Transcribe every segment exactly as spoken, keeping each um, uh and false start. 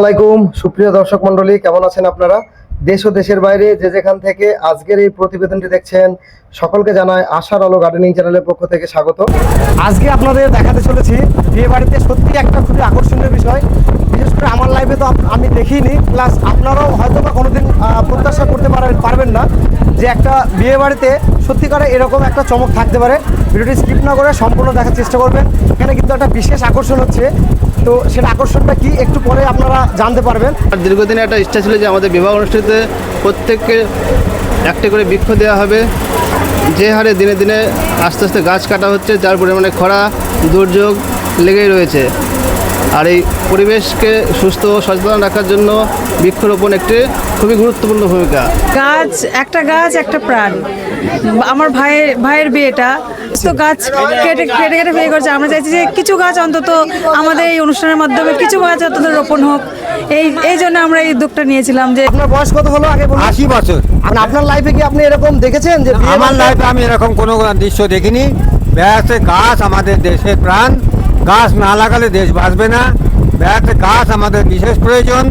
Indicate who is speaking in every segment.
Speaker 1: আলাইকুম সুপ্রিয় দর্শক মণ্ডলী, কেমন আছেন আপনারা? দেশ ও দেশের বাইরে যে যেখান থেকে আজকের এই প্রতিবেদনটি দেখছেন সকলকে জানাই আশার আলো গার্ডেনিং চ্যানেলের পক্ষ থেকে স্বাগত। আজকে আপনাদের দেখাতে চলেছি বিয়ে বাড়িতে সত্যি একটা খুবই আকর্ষণীয় বিষয়। বিশেষ করে আমার লাইফে তো আমি দেখিনি, প্লাস আপনারাও হয়তো বা কোনোদিন প্রত্যাশা করতে পারবেন না যে একটা বিয়ে বাড়িতে সত্যিকারে এরকম একটা চমক থাকতে পারে। ভিডিওটি স্কিপ না করে সম্পূর্ণ দেখার চেষ্টা করবেন। এখানে কিন্তু একটা বিশেষ আকর্ষণ হচ্ছে, তো সেটা আকর্ষণটা কি একটু পরে আপনারা জানতে পারবেন।
Speaker 2: দীর্ঘদিনে একটা ইচ্ছা ছিল যে আমাদের বিবাহ অনুষ্ঠানে প্রত্যেককে একটি করে বৃক্ষ দেওয়া হবে। যে হারে দিনে দিনে আস্তে আস্তে গাছ কাটা হচ্ছে, যার পরিমাণে খরা দুর্যোগ লেগেই রয়েছে। আর এই পরিবেশকে সুস্থ ও সচেতন রাখার জন্য বৃক্ষরোপণ একটি খুবই গুরুত্বপূর্ণ ভূমিকা।
Speaker 3: গাছ একটা গাছ একটা প্রাণ। আমার ভাইয়ের ভাইয়ের বিয়েটা তো গাছ কেটে কেটে কেটে বিয়ে করছে। আমরা চাইছি যে কিছু গাছ অন্তত আমাদের এই অনুষ্ঠানের মাধ্যমে কিছু গাছ অন্তত রোপণ হোক। এই এই জন্য আমরা এই উদ্যোগটা নিয়েছিলাম। যে
Speaker 1: আপনার বয়স কত হলো আগে বলুন?
Speaker 4: আশি বছর।
Speaker 1: আপনার লাইফে কি আপনি এরকম দেখেছেন যে
Speaker 4: আমার লাইফে আমি এরকম কোনো দৃশ্য দেখিনি। বেড়াতে গাছ আমাদের দেশের প্রাণ, গাছ না লাগালে দেশ বাঁচবে না। বেড়াতে গাছ আমাদের বিশেষ প্রয়োজন।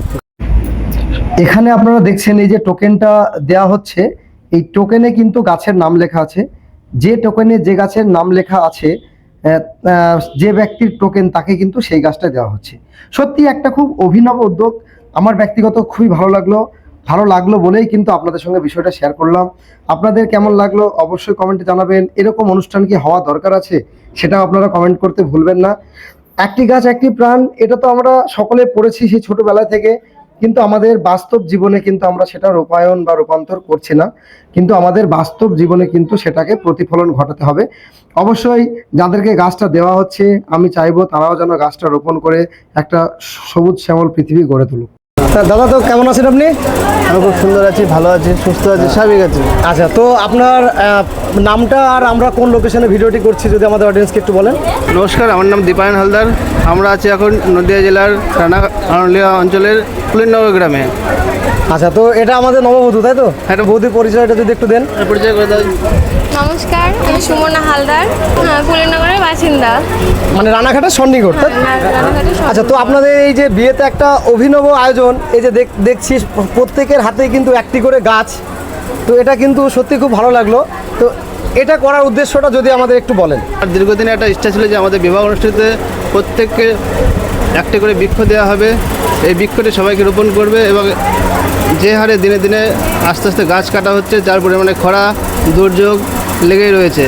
Speaker 1: এখানে আপনারা দেখছেন এই যে টোকেনটা দেয়া হচ্ছে, এই টোকেনে কিন্তু গাছের নাম লেখা আছে। যে টোকেনে যে গাছের নাম লেখা আছে, যে ব্যক্তির টোকেন তাকে কিন্তু সেই গাছটা দেওয়া হচ্ছে। সত্যি একটা খুব অভিনব উদ্যোগ। আমার ব্যক্তিগত খুবই ভালো লাগলো ভালো লাগলো বলেই কিন্তু আপনাদের সঙ্গে বিষয়টা শেয়ার করলাম। আপনাদের কেমন লাগলো অবশ্যই কমেন্টে জানাবেন। এরকম অনুষ্ঠান কি হওয়া দরকার আছে সেটাও আপনারা কমেন্ট করতে ভুলবেন না। একটি গাছ একটি প্রাণ, এটা তো আমরা সকলে পড়েছি সেই ছোটবেলা থেকে, কিন্তু আমাদের বাস্তব জীবনে কিন্তু আমরা সেটা রূপায়ণ বা রূপান্তর করছি না। কিন্তু আমাদের বাস্তব জীবনে কিন্তু সেটাকে প্রতিফলন ঘটাতে হবে। অবশ্যই যাদেরকে গাছটা দেওয়া হচ্ছে আমি চাইবো তারাও যেন গাছটা রোপণ করে একটা সবুজ শ্যামল পৃথিবী গড়ে তুলুক। দাদা, তো কেমন আছেন আপনি?
Speaker 2: আমি খুব সুন্দর আছি, ভালো আছি, সুস্থ আছি, স্বাভাবিক আছি।
Speaker 1: আচ্ছা, তো আপনার নামটা আর আমরা কোন লোকেশনে ভিডিওটি করছি যদি আমাদের অডিয়েন্সকে একটু বলেন।
Speaker 2: নমস্কার, আমার নাম দীপায়ন হালদার। আমরা আছি এখন নদিয়া জেলার রানা আনলিয়া অঞ্চলের কুলিননগর গ্রামে।
Speaker 1: আচ্ছা, তো এটা আমাদের নববধূ, তাই তো? একটা বৌদির পরিচয়টা যদি একটু দেন।
Speaker 2: পরিচয় করে দেন।
Speaker 5: নমস্কার, আমি সুমনা হালদার, হ্যাঁ কুলিননগরের বাসিন্দা,
Speaker 1: মানে রানাঘাটের সন্নিকট। আচ্ছা, তো আপনাদের এই যে বিয়েতে একটা অভিনব আয়োজন, এই যে দেখছি প্রত্যেকের হাতেই কিন্তু একটি করে গাছ, তো এটা কিন্তু সত্যি খুব ভালো লাগলো। তো এটা করার উদ্দেশ্যটা যদি আমাদের একটু বলেন।
Speaker 2: আর দীর্ঘদিনে একটা ইচ্ছা ছিল যে আমাদের বিবাহ অনুষ্ঠানে প্রত্যেককে একটি করে বৃক্ষ দেওয়া হবে। এই বৃক্ষটি সবাইকে রোপণ করবে এবং যে হারে দিনে দিনে আস্তে আস্তে গাছ কাটা হচ্ছে, যার পরিমাণে খরা দুর্যোগ লেগেই রয়েছে।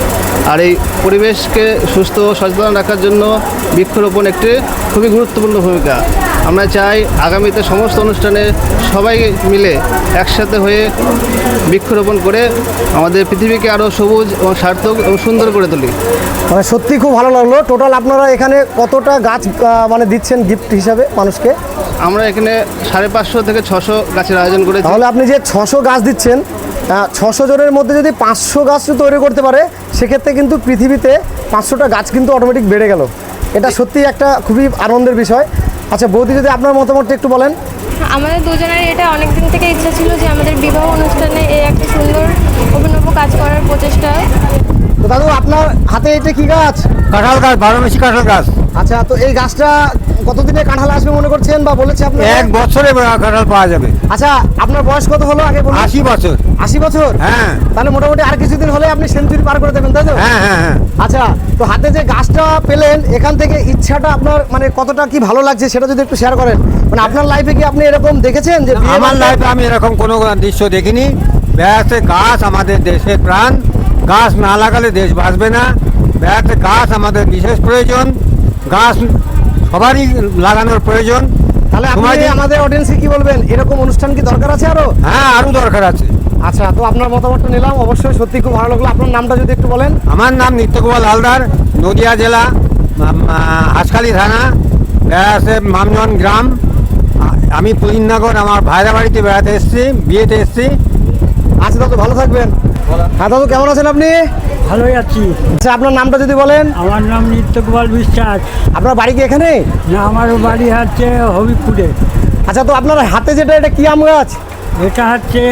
Speaker 2: আর এই পরিবেশকে সুস্থ ও সচেতন রাখার জন্য বৃক্ষরোপণ একটি খুবই গুরুত্বপূর্ণ ভূমিকা। আমরা চাই আগামীতে সমস্ত অনুষ্ঠানে সবাই মিলে একসাথে হয়ে বৃক্ষরোপণ করে আমাদের পৃথিবীকে আরও সবুজ এবং সার্থক এবং সুন্দর করে তুলি।
Speaker 1: মানে সত্যি খুব ভালো লাগলো। টোটাল আপনারা এখানে কতটা গাছ মানে দিচ্ছেন গিফট হিসাবে মানুষকে?
Speaker 2: আমরা এখানে সাড়ে পাঁচশো থেকে ছশো গাছের আয়োজন করেছি।
Speaker 1: তাহলে আপনি যে ছশো গাছ দিচ্ছেন, ছশো জনের মধ্যে যদি পাঁচশো গাছ তৈরি করতে পারে, সেক্ষেত্রে কিন্তু পৃথিবীতে পাঁচশোটা গাছ কিন্তু অটোমেটিক বেড়ে গেল। এটা সত্যি একটা খুবই আনন্দের বিষয়। আচ্ছা বৌদি, যদি আপনার মতামতটা একটু বলেন।
Speaker 5: আমাদের দুজনের এটা অনেক দিন থেকে ইচ্ছা ছিল যে আমাদের বিবাহ অনুষ্ঠানে এই একটা সুন্দর অভিনব কাজ করার প্রচেষ্টা।
Speaker 1: তো দাদু, আপনার হাতে এটা কি গাছ?
Speaker 4: কাঁঠাল গাছ, বারোমাসি কাঁঠাল গাছ।
Speaker 1: আচ্ছা, তো এই গাছটা কতদিনে কাঁঠাল আসবে মনে করছেন বা বলেছে আপনি?
Speaker 4: এক বছরে কাঁঠাল পাওয়া যাবে।
Speaker 1: আচ্ছা, আপনার বয়স কত হলো আগে বলুন?
Speaker 4: আশি বছর।
Speaker 1: আশি বছর?
Speaker 4: হ্যাঁ।
Speaker 1: তাহলে মোটামুটি আর কিছুদিন হলে আপনি সেঞ্চুরি পার করে দেবেন, তাই তো?
Speaker 4: হ্যাঁ হ্যাঁ হ্যাঁ।
Speaker 1: আচ্ছা, তো হাতে যে গাছটা পেলেন, এখান থেকে ইচ্ছাটা আপনার মানে কতটা কি ভালো লাগছে সেটা যদি একটু শেয়ার করেন। মানে আপনার লাইফে কি আপনি এরকম দেখেছেন যে?
Speaker 4: আমার লাইফে আমি এরকম কোনো দৃশ্য দেখিনি। বেড়াতে গাছ আমাদের দেশের প্রাণ, গাছ না লাগালে দেশ বাঁচবে না। বেড়াতে গাছ আমাদের বিশেষ প্রয়োজন, গাছ সবারই লাগানোর প্রয়োজন।
Speaker 1: তাহলে আপনি আমাদের অডিয়েন্সকে কি বলবেন, এরকম অনুষ্ঠান কি দরকার আছে আরো?
Speaker 4: হ্যাঁ, আরও দরকার আছে।
Speaker 1: আচ্ছা, তো আপনার মতামতটা নিলাম, অবশ্যই সত্যি খুব ভালো লাগলো। আপনার নামটা যদি একটু বলেন।
Speaker 4: আমার নাম নিত্যগোপাল হালদার, নদিয়া জেলা, হাঁসখালি থানা, বেড়াতে মামজন গ্রাম। আমি কুলিননগর আমার ভাইরা বাড়িতে বেড়াতে এসেছি, বিয়েতে এসেছি।
Speaker 1: আচ্ছা দাদু, ভালো থাকবেন। হ্যাঁ দাদু, কেমন আছেন আপনি?
Speaker 6: ভালোই আছি।
Speaker 1: আচ্ছা, আপনার নামটা যদি বলেন।
Speaker 6: আমার নাম নিত্যগোপাল বিশ্বাস।
Speaker 1: আপনার বাড়ি কি এখানে?
Speaker 6: না, আমার বাড়ি হচ্ছে হবিবপুরে।
Speaker 1: আচ্ছা, তো আপনার হাতে যেটা, এটা কি আম গাছ?
Speaker 6: এটা হচ্ছে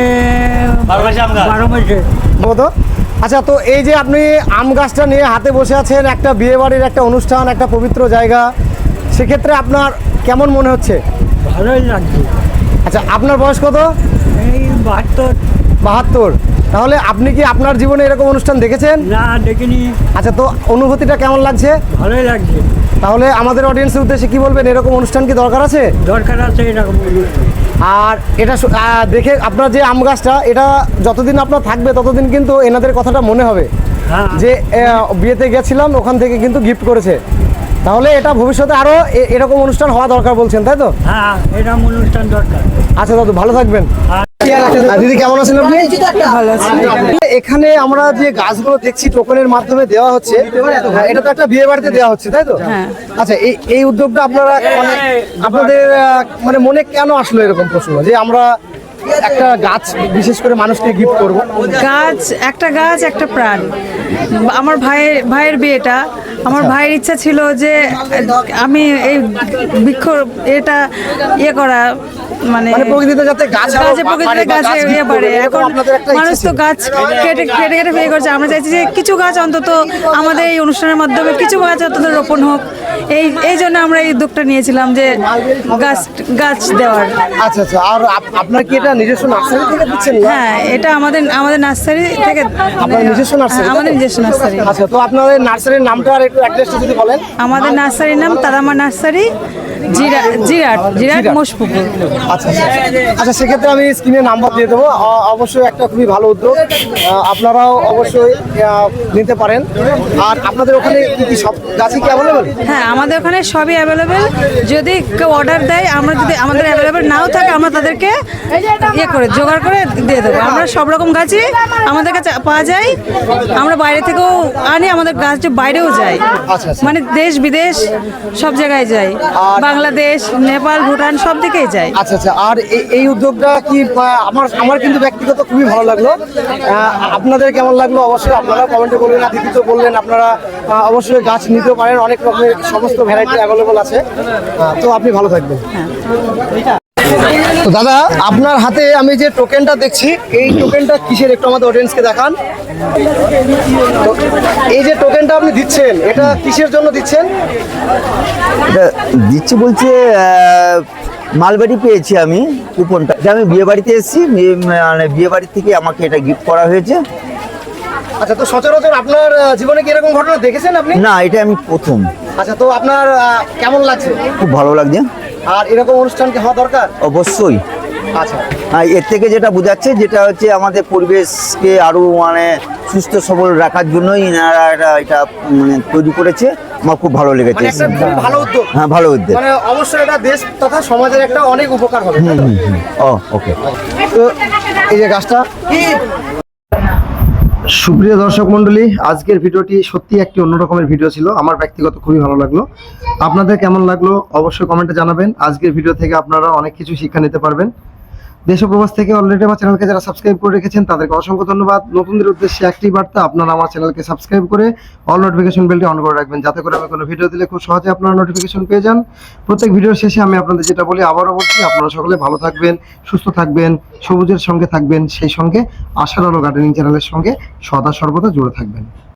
Speaker 6: বারো মাসে।
Speaker 1: বলো। আচ্ছা, তো এই যে আপনি আম গাছটা নিয়ে হাতে বসে আছেন, একটা বিয়ে বাড়ির একটা অনুষ্ঠান, একটা পবিত্র জায়গা, সেক্ষেত্রে আপনার কেমন মনে হচ্ছে?
Speaker 6: ভালোই লাগছে।
Speaker 1: আচ্ছা, আপনার বয়স কত?
Speaker 6: এই বাহাত্তর।
Speaker 1: বাহাত্তর। তাহলে আপনি কি আপনার জীবনে এরকম অনুষ্ঠান দেখেছেন?
Speaker 6: না দেখিনি।
Speaker 1: আচ্ছা, তো অনুভূতিটা কেমন লাগছে?
Speaker 6: ভালোই লাগছে।
Speaker 1: তাহলে আমাদের অডিয়েন্সের উদ্দেশ্যে কি বলবেন, এরকম অনুষ্ঠান কি দরকার আছে?
Speaker 6: দরকার আছে এরকম অনুষ্ঠান।
Speaker 1: আর এটা শু- আহ, দেখে আপনার যে আম গাছটা, এটা যতদিন আপনার থাকবে ততদিন কিন্তু এনাদের কথাটা মনে হবে
Speaker 6: হ্যাঁ।
Speaker 1: যে আহ, বিয়েতে গেছিলাম, ওখান থেকে কিন্তু গিফট করেছে। তাহলে এটা ভবিষ্যতে আরও এরকম অনুষ্ঠান হওয়া দরকার বলছেন, তাই তো?
Speaker 6: হ্যাঁ, এরকম অনুষ্ঠান দরকার।
Speaker 1: আচ্ছা দাদু, ভালো থাকবেন।
Speaker 6: হ্যাঁ।
Speaker 1: আর দিদি কেমন আছেন আপনি?
Speaker 3: ভালো আছি।
Speaker 1: এখানে আমরা যে গাছগুলো দেখছি টোকনের মাধ্যমে দেওয়া হচ্ছে, হ্যাঁ, এটা তো একটা বিয়ে বাড়িতে দেওয়া হচ্ছে, তাই তো?
Speaker 3: হ্যাঁ।
Speaker 1: আচ্ছা, এই এই উদ্যোগটা আপনারা মানে আপনাদের আহ, মানে মনে কেন আসলো এরকম প্রশ্ন যে আমরা একটা গাছ বিশেষ করে মানুষকে গিফট করব?
Speaker 3: গাছ একটা গাছ একটা প্রাণ। আমার ভাইয়ের ভাইয়ের বিয়েটা, আমার ভাইয়ের ইচ্ছা ছিল যে আমি এই বৃক্ষ এটা ইয়ে করা, মানে
Speaker 1: মানে প্রকৃতিতে যাতে গাছ আরো
Speaker 3: গাছে প্রকৃতিতে
Speaker 1: বাড়ে বা
Speaker 3: গাছে
Speaker 1: গাছ
Speaker 3: ইয়ে
Speaker 1: gift
Speaker 3: বাড়ে।
Speaker 1: করবে, এরকম
Speaker 3: এখন
Speaker 1: আপনাদের একটা ইচ্ছা
Speaker 3: মানুষ তো
Speaker 1: ছিল।
Speaker 3: গাছ কেটে কেটে কেটে ফেয়ে করছে। আমরা চাইছি যে কিছু গাছ অন্তত আমাদের এই অনুষ্ঠানের মাধ্যমে কিছু গাছ অন্তত রোপণ হোক। এই এই জন্য আমরা এই উদ্যোগটা নিয়েছিলাম যে গাছ গাছ দেওয়ার।
Speaker 1: আচ্ছা আচ্ছা, আর আপ- আপনার কি এটা নিজস্ব নার্সারি থেকে দিচ্ছেন না?
Speaker 3: হ্যাঁ, এটা আমাদের আমাদের নার্সারি থেকে।
Speaker 1: আপনার নিজস্ব নার্সারি?
Speaker 3: হ্যাঁ, আমাদের নিজস্ব নার্সারি।
Speaker 1: আচ্ছা, তো আপনাদের নার্সারির নামটা আর একটু অ্যাড্রেসটা যদি বলেন।
Speaker 3: আমাদের নার্সারির নাম তারামা নার্সারি, জিরা জিরাট জিরাট
Speaker 1: জিরাট।
Speaker 3: মোশপুকুর।
Speaker 1: আচ্ছা আচ্ছা আচ্ছা, সেক্ষেত্রে আমি স্ক্রিনে নাম্বার দিয়ে দেবো। অ- অবশ্যই একটা খুবই ভালো উদ্যোগ, আহ, আপনারাও অবশ্যই আহ, নিতে পারেন। আর আপনাদের ওখানে কি কি সব গাছই কি অ্যাভেলেবেল?
Speaker 3: হ্যাঁ, আমাদের ওখানে সবই অ্যাভেলেবেল। যদি কেউ অর্ডার দেয়, আমরা যদি আমাদের অ্যাভেলেবেল নাও থাকে, আমরা তাদেরকে ইয়ে করে জোগাড় করে দিয়ে দেবো। আমরা সব রকম গাছই আমাদের কাছে পাওয়া যায়। আমরা বাইরে থেকেও আনি, আমাদের গাছ যে বাইরেও যায়,
Speaker 1: আচ্ছা, আচ্ছা।
Speaker 3: মানে দেশ বিদেশ সব জায়গায় যায়।
Speaker 1: আর-
Speaker 3: বাংলাদেশ, নেপাল, ভুটান সব দিকেই যায়।
Speaker 1: আচ্ছা আচ্ছা, আর এই এই উদ্যোগটা কি আহ, আমার আমার কিন্তু ব্যক্তিগত খুবই ভালো লাগলো। আহ, আপনাদের কেমন লাগলো অবশ্যই আপনারা কমেন্টে বলবেন। আর দিদি তো বললেন আপনারা আহ, অবশ্যই গাছ নিতে পারেন, অনেক রকমের সমস্ত ভ্যারাইটি অ্যাভেলেবল আছে। আহ, তো আপনি ভালো থাকবেন। তো দাদা, আপনার হাতে আমি যে টোকেনটা দেখছি, এই টোকেনটা কিসের একটু আমাদের অডিয়েন্সকে দেখান। তো এই যে টোকেনটা আপনি দিচ্ছেন, এটা কিসের জন্য দিচ্ছেন?
Speaker 7: এটা দিচ্ছি বলছে আহ, মালবাড়ি পেয়েছি আমি কুপনটা। এটা আমি বিয়ে বাড়িতে এসেছি, বিয়ে- মানে বিয়ে বাড়ি থেকে আমাকে এটা গিফট করা হয়েছে।
Speaker 1: আচ্ছা, তো সচরাচর আপনার আহ, জীবনে কি এরকম ঘটনা দেখেছেন আপনি?
Speaker 7: না, এটা আমি প্রথম।
Speaker 1: আচ্ছা, তো আপনার আহ, কেমন লাগছে?
Speaker 7: খুব ভালো লাগছে।
Speaker 1: আর এরকম অনুষ্ঠান কি হওয়া দরকার?
Speaker 7: অবশ্যই।
Speaker 1: আচ্ছা
Speaker 7: আর এর থেকে যেটা বোঝাচ্ছে, যেটা হচ্ছে আমাদের পরিবেশকে আরো মানে সুস্থ সবল রাখার জন্যই এনারা এটা এটা মানে তৈরি করেছে। আমার খুব ভালো লেগেছে।
Speaker 1: মানে একটা খুব ভালো উদ্যোগ।
Speaker 7: হ্যাঁ, ভালো উদ্যোগ।
Speaker 1: মানে অবশ্যই এটা দেশ তথা সমাজের একটা অনেক উপকার হবে, তাই তো?
Speaker 7: ও ওকে।
Speaker 1: তো এই যে গাছটা, সুপ্রিয় দর্শক মণ্ডলী, আজকের ভিডিওটি সত্যি একটি অন্য রকমের ভিডিও ছিল। আমার ব্যক্তিগত খুবই ভালো লাগলো। আপনাদের কেমন লাগলো অবশ্যই কমেন্টে জানাবেন। আজকের ভিডিও থেকে আপনারা অনেক কিছু শিক্ষা নিতে পারবেন। দেশ ও প্রবাস থেকে অলরেডি আমার চ্যানেলকে যারা সাবস্ক্রাইব করে রেখেছেন তাদেরকে অসংখ্য ধন্যবাদ। নতুনদের উদ্দেশ্যে একটি বার্তা, আপনারা আমার চ্যানেলকে সাবস্ক্রাইব করে অল নোটিফিকেশন বেলটি অন করে রাখবেন, যাতে করে আমি কোনো ভিডিও দিলে খুব সহজে আপনারা নোটিফিকেশন পেয়ে যান। প্রত্যেক ভিডিওর শেষে আমি আপনাদের যেটা বলি আবারও বলছি, আপনারা সকলে ভালো থাকবেন, সুস্থ থাকবেন, সবুজের সঙ্গে থাকবেন, সেই সঙ্গে আশার আলো গার্ডেনিং চ্যানেলের সঙ্গে সদা সর্বদা জুড়ে থাকবেন।